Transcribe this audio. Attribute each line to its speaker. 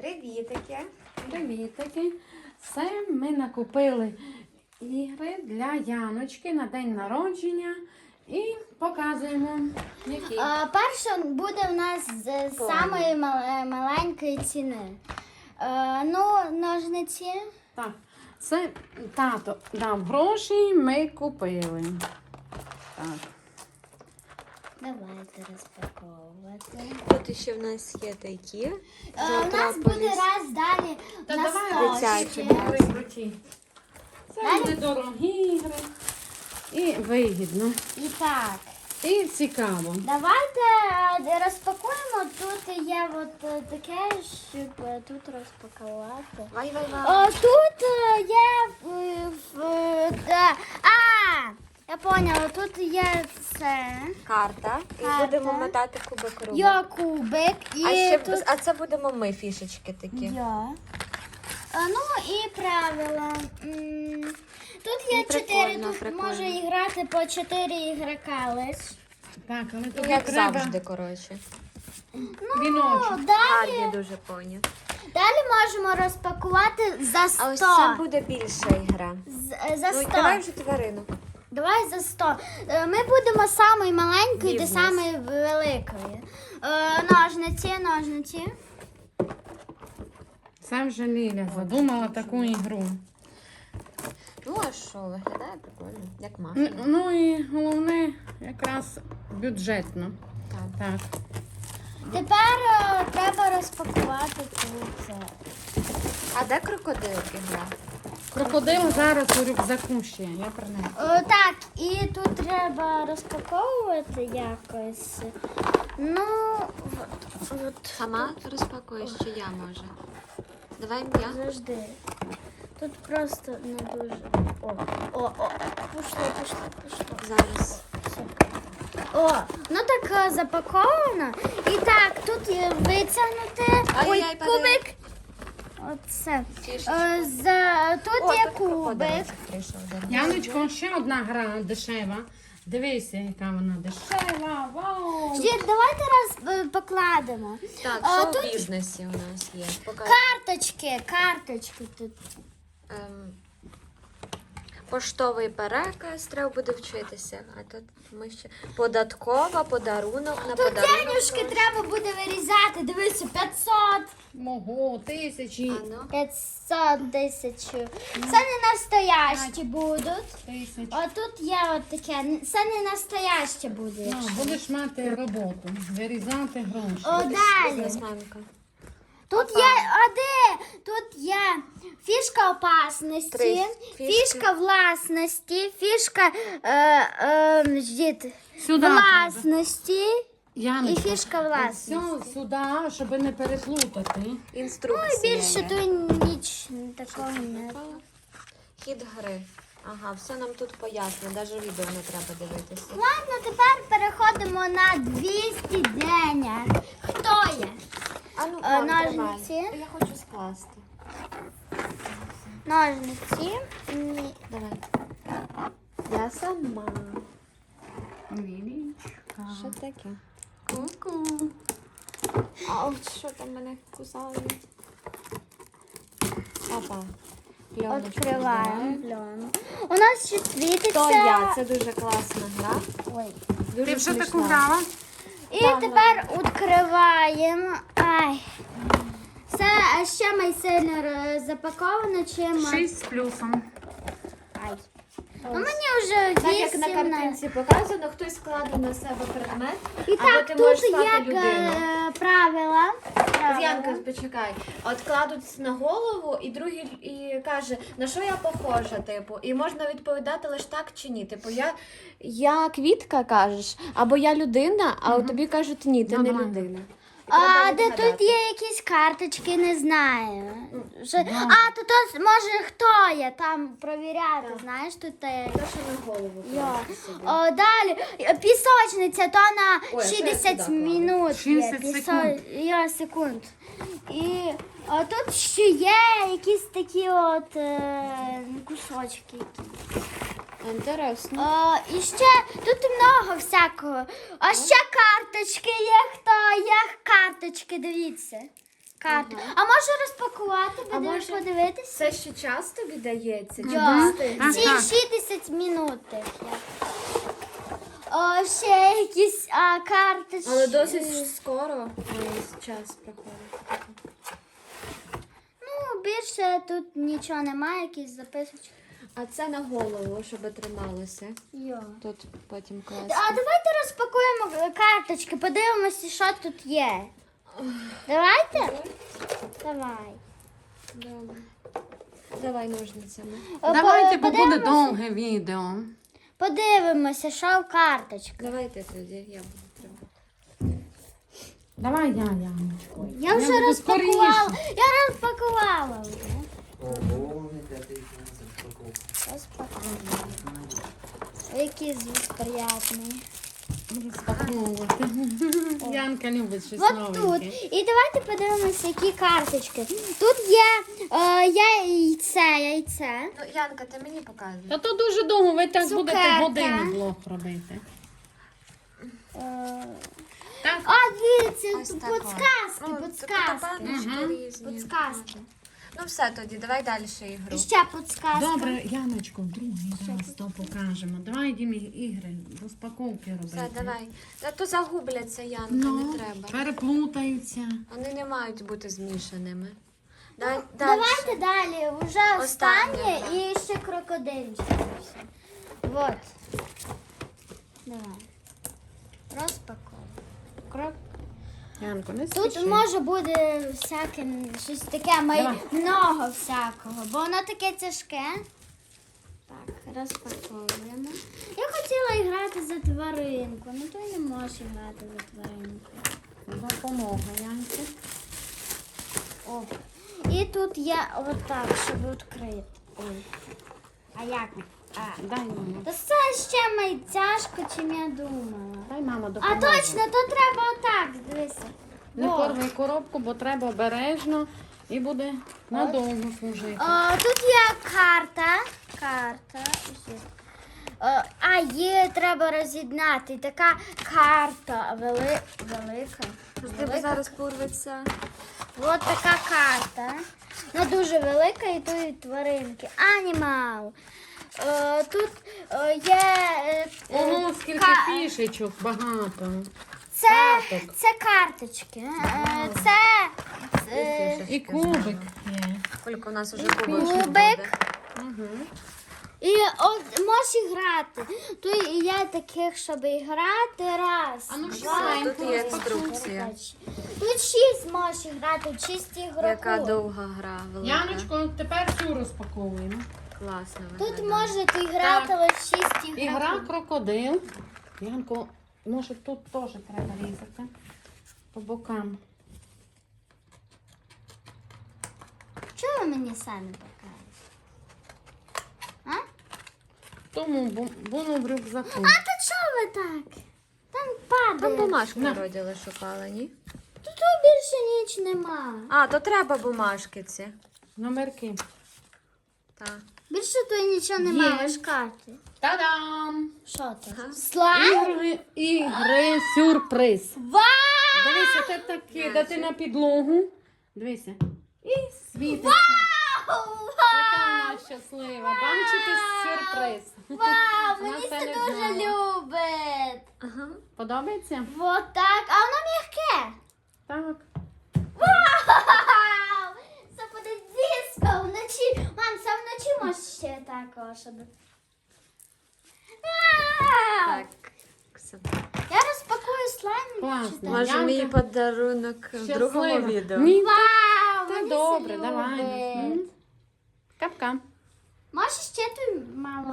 Speaker 1: Привітики.
Speaker 2: Привітики. Це ми накупили ігри для Яночки на день народження і показуємо, які.
Speaker 3: Перше буде в нас з самої маленької ціни. Ножниці.
Speaker 2: Так, це тато дав гроші, ми купили. Так.
Speaker 3: Давайте розпаковувати.
Speaker 1: Тут ще в нас є такі.
Speaker 3: У нас буде раз далі
Speaker 2: Та
Speaker 3: на
Speaker 2: давай
Speaker 3: столі.
Speaker 2: круті. Це недорогі ігри і вигідно.
Speaker 3: І так,
Speaker 2: І цікаво.
Speaker 3: давайте розпакуємо. Тут є от таке, щоб тут розпакувати.
Speaker 1: Вай.
Speaker 3: Тут є я поняла, тут є це.
Speaker 1: Карта. І
Speaker 3: Карта.
Speaker 1: будемо мотати кубик руби.
Speaker 3: Є кубик і тут
Speaker 1: А це будемо ми фішечки такі.
Speaker 3: є. І правила. Тут є 4,
Speaker 1: Прикольно,
Speaker 3: тут
Speaker 1: прикольно.
Speaker 3: може грати по 4 ігрока лиш.
Speaker 2: Так, але
Speaker 1: Ну,
Speaker 2: тобі
Speaker 1: як
Speaker 2: треба
Speaker 1: завжди, коротше.
Speaker 2: віночок.
Speaker 3: Далі,
Speaker 1: Гарні дуже поні.
Speaker 3: далі можемо розпакувати за 100.
Speaker 1: А ось це буде більша ігра.
Speaker 3: За
Speaker 1: Ну,
Speaker 3: 100.
Speaker 1: давай вже тваринок.
Speaker 3: Давай за 100. Ми будемо самої маленької до
Speaker 1: Бізнес.
Speaker 3: самої великої. Ножниці.
Speaker 2: Це вже Ліля задумала таку ігру.
Speaker 1: Ну, а що, виглядає прикольно, як мафія.
Speaker 2: Ну і головне, якраз бюджетно.
Speaker 1: Так.
Speaker 2: Так.
Speaker 3: Тепер треба розпакувати тут це.
Speaker 1: А де крокодилки гра?
Speaker 2: Крокодил зараз у рюкзаку ще, я принесу.
Speaker 3: Так, і тут треба розпаковувати якось. От.
Speaker 1: Сама розпакуєш, чи я може? Давай я.
Speaker 3: Завжди. Тут просто не дуже. Пішло.
Speaker 1: Зараз.
Speaker 3: Так запаковано. І так, тут є витягнути.
Speaker 1: Ай-яй, падає.
Speaker 3: Кубик. Оце.
Speaker 1: Фішечки.
Speaker 3: Тут є кубик.
Speaker 2: Яночко, ще одна гра дешева. Дивися, яка вона дешева. Вау!
Speaker 3: Ждіть, давайте раз покладемо.
Speaker 1: Так, що
Speaker 3: тут
Speaker 1: в бізнесі у нас є? Покажи.
Speaker 3: Карточки тут.
Speaker 1: Поштовий переказ, треба буде вчитися. А тут ми ще податкова, подарунок на
Speaker 3: Тут
Speaker 1: подарунок.
Speaker 3: денюжки треба буде вирізати. Дивіться, 500.
Speaker 2: Мого, тисячі.
Speaker 1: А ну.
Speaker 3: 500, 1000. Це не настоящі будуть.
Speaker 2: Тисяч.
Speaker 3: Тут є от таке. Це не настояще буде.
Speaker 2: Ну, будеш мати роботу, вирізати гроші.
Speaker 3: Далі.
Speaker 1: Бізнесменка.
Speaker 3: Тут є тут є фішка опасності,
Speaker 1: Три фішки.
Speaker 3: фішка власності, фішка
Speaker 2: Сюди
Speaker 3: власності і
Speaker 2: Яночко,
Speaker 3: фішка власності.
Speaker 2: все сюди, щоб не переплутати.
Speaker 1: Інструкція.
Speaker 3: Більше
Speaker 1: є.
Speaker 3: тут ніч такого не.
Speaker 1: Хід гри. Ага, все нам тут пояснено, навіть відео не треба дивитися.
Speaker 3: Ладно, тепер переходимо на 200 денег. Хто є?
Speaker 1: А ну,
Speaker 3: ножниці.
Speaker 1: Я хочу скласти.
Speaker 3: Ножниці.
Speaker 1: Давай. Я сама.
Speaker 2: Лілічка.
Speaker 1: Що таке? Ку-ку. А от що там мене кусають? Опа. Пленочку
Speaker 3: Відкриваємо.
Speaker 1: збираємо.
Speaker 3: У нас ще світиться.
Speaker 1: То я. Це дуже класна гра.
Speaker 3: Ой.
Speaker 1: Дуже
Speaker 2: Ти вже
Speaker 1: смішна.
Speaker 2: таку грала?
Speaker 3: І тепер відкриваємо. Це ще майсильно запаковано, чим.
Speaker 2: 6 з плюсом.
Speaker 3: Мені вже 8.
Speaker 1: Так як на картинці показано, хтось складе на себе предмет,
Speaker 3: І
Speaker 1: або
Speaker 3: так,
Speaker 1: ти
Speaker 3: тут
Speaker 1: можеш стати
Speaker 3: як
Speaker 1: людиною.
Speaker 3: правила.
Speaker 1: Янка, почекай. От кладуть на голову, і другий і каже, на що я похожа, типу, і можна відповідати лише так чи ні. Типу, я квітка кажеш, або я людина, а тобі кажуть, ні, ти
Speaker 2: Ну,
Speaker 1: не
Speaker 2: давай.
Speaker 1: людина.
Speaker 3: Де тут є якісь карточки, не знаю. Тут може хто є, там провіряти, знаєш, тут є.
Speaker 1: Те, що на голову.
Speaker 3: Далі пісочниця, то на
Speaker 1: Ой, а що я
Speaker 3: 60
Speaker 1: сюди
Speaker 3: минут.
Speaker 2: 60 секунд.
Speaker 3: Секунд. І тут ще є якісь такі от кусочки.
Speaker 1: Інтересно.
Speaker 3: І ще тут много всякого. А ще карточки є, хто є карточки, дивіться. карти. А може розпакувати,
Speaker 1: А
Speaker 3: будемо
Speaker 1: може-
Speaker 3: подивитися?
Speaker 1: Це ще час тобі дається? Чи
Speaker 3: Да.
Speaker 1: встиг?
Speaker 3: Ці
Speaker 2: Так.
Speaker 3: 60 минут. Тих є. О, ще якісь карточки.
Speaker 1: Але досить скоро час проходить.
Speaker 3: Ну, більше тут нічого немає, якісь записочки.
Speaker 1: А це на голову, щоб трималося.
Speaker 3: Йо.
Speaker 1: Тут потім класти.
Speaker 3: А давайте розпакуємо карточки, подивимося, що тут є. Давайте? Давай.
Speaker 1: Добре. Давай ножницями.
Speaker 2: Давайте, бо буде
Speaker 3: Подивимося-
Speaker 2: довге відео.
Speaker 3: Подивимося, що в карточках.
Speaker 1: Давайте тоді, я буду тримати.
Speaker 2: Давай я, Яночко.
Speaker 3: Я вже
Speaker 2: буду
Speaker 3: розпакувала.
Speaker 2: скоріше.
Speaker 3: Я розпакувала вже.
Speaker 4: Ого, яка ти їх не розпаковка.
Speaker 3: Розпакувала. Який звук приятний.
Speaker 2: Розпаковувати. Янка любить щось
Speaker 3: От тут.
Speaker 2: новеньке.
Speaker 3: І давайте подивимося, які карточки. Тут є яйце.
Speaker 1: Ну, Янка, ти мені показуй.
Speaker 2: Та то дуже довго, ви так будете
Speaker 3: Цукерка.
Speaker 2: годину блог робити. Так?
Speaker 3: Дивіться,
Speaker 1: Ось
Speaker 3: тут
Speaker 1: така.
Speaker 3: підсказки,
Speaker 1: Ну,
Speaker 3: підсказки.
Speaker 1: баночки різні.
Speaker 3: Підсказки.
Speaker 1: Ну все тоді, давай далі ігру.
Speaker 3: І ще підсказка.
Speaker 2: Добре, Яночко, в другий раз то покажемо. Давай йдемо ігри, розпаковки робити.
Speaker 1: Все, давай. Та то загубляться, Янка,
Speaker 2: Ну,
Speaker 1: не треба.
Speaker 2: переплутаються.
Speaker 1: Вони не мають бути змішаними. Давай,
Speaker 3: Давайте далі. Вже
Speaker 1: Останнє,
Speaker 3: останнє
Speaker 1: да.
Speaker 3: і ще крокодильчик. Вот. Давай. Розпаковуй.
Speaker 2: Янко, не
Speaker 3: Тут
Speaker 2: спіши.
Speaker 3: може бути всяке щось таке,
Speaker 2: Давай.
Speaker 3: много всякого, бо воно таке тяжке. Так, розпаковуємо. Я хотіла грати за тваринку, ну то й не можеш грати за тваринку.
Speaker 2: Допомога, Янці.
Speaker 3: О. І тут є отак, щоб відкрити. Ой. А як?
Speaker 2: Дай мама.
Speaker 3: Та це ще май тяжко, чим я думала.
Speaker 2: Дай мама
Speaker 3: А
Speaker 2: допоможе.
Speaker 3: точно, то треба отак, дивися.
Speaker 2: Не
Speaker 3: Во.
Speaker 2: порвай коробку, бо треба обережно і буде надовго служити.
Speaker 3: Тут є карта. Є, треба роз'єднати. Така карта велика.
Speaker 1: Тебе зараз порветься.
Speaker 3: Ось така карта. Вона дуже велика і тут тваринки. Анімал. Тут є.
Speaker 2: Ого, скільки
Speaker 3: ка-
Speaker 2: фішечок, багато. карток.
Speaker 3: Це карточки. Це
Speaker 2: І кубик є.
Speaker 1: Скільки у нас уже
Speaker 3: кубик. І можеш грати. Тут є таких, щоб грати. Раз.
Speaker 2: А ну, ще
Speaker 3: два,
Speaker 2: маленьку
Speaker 1: Тут є інструкція.
Speaker 3: Тут 6 можеш грати, 6 ігроків.
Speaker 1: Яка довга гра, велика.
Speaker 2: Яночко, тепер цю розпаковуємо.
Speaker 1: Класно
Speaker 3: Тут
Speaker 1: виглядає.
Speaker 3: можете грати лише 6 ігроків.
Speaker 2: Ігра крокодил. Янко, може тут теж треба різати по бокам.
Speaker 3: Чого ви мені самі покажете?
Speaker 2: Тому воно в рюкзаку.
Speaker 3: А то чого ви так? Там падає.
Speaker 1: Там бумажку
Speaker 2: На.
Speaker 1: вроді шукала, ні?
Speaker 3: Тут більше ніч нема.
Speaker 1: А, то треба бумажки ці.
Speaker 2: Номерки.
Speaker 1: Так.
Speaker 3: Більше тут нічого немає, лише карти.
Speaker 2: Та-дам!
Speaker 3: Що це? Слайм?
Speaker 2: Ігри сюрприз.
Speaker 3: Вау!
Speaker 2: Дивися, це так кидати на підлогу. Дивися. І світиться. Яка вона щаслива. Бачите, сюрприз.
Speaker 3: Вау,
Speaker 2: Вона
Speaker 3: мені
Speaker 2: це
Speaker 3: це
Speaker 2: не
Speaker 3: дуже
Speaker 2: знала.
Speaker 3: любить.
Speaker 1: Ага.
Speaker 2: Подобається?
Speaker 3: Вот так. А воно м'яке.
Speaker 2: Так.
Speaker 3: Вау! Це буде диско вночі. Мам, це вночі може ще також. Вау!
Speaker 1: Так. Все.
Speaker 3: Я розпакую слайм.
Speaker 2: Класно.
Speaker 3: Читаю.
Speaker 1: Може,
Speaker 2: Янка
Speaker 1: мій подарунок в другому
Speaker 2: Щаслива.
Speaker 1: відео.
Speaker 2: Ні,
Speaker 3: Вау,
Speaker 2: та
Speaker 3: мені
Speaker 2: добре,
Speaker 3: це
Speaker 2: давай.
Speaker 3: любить.
Speaker 2: Капка.
Speaker 3: Може ще ти, мама?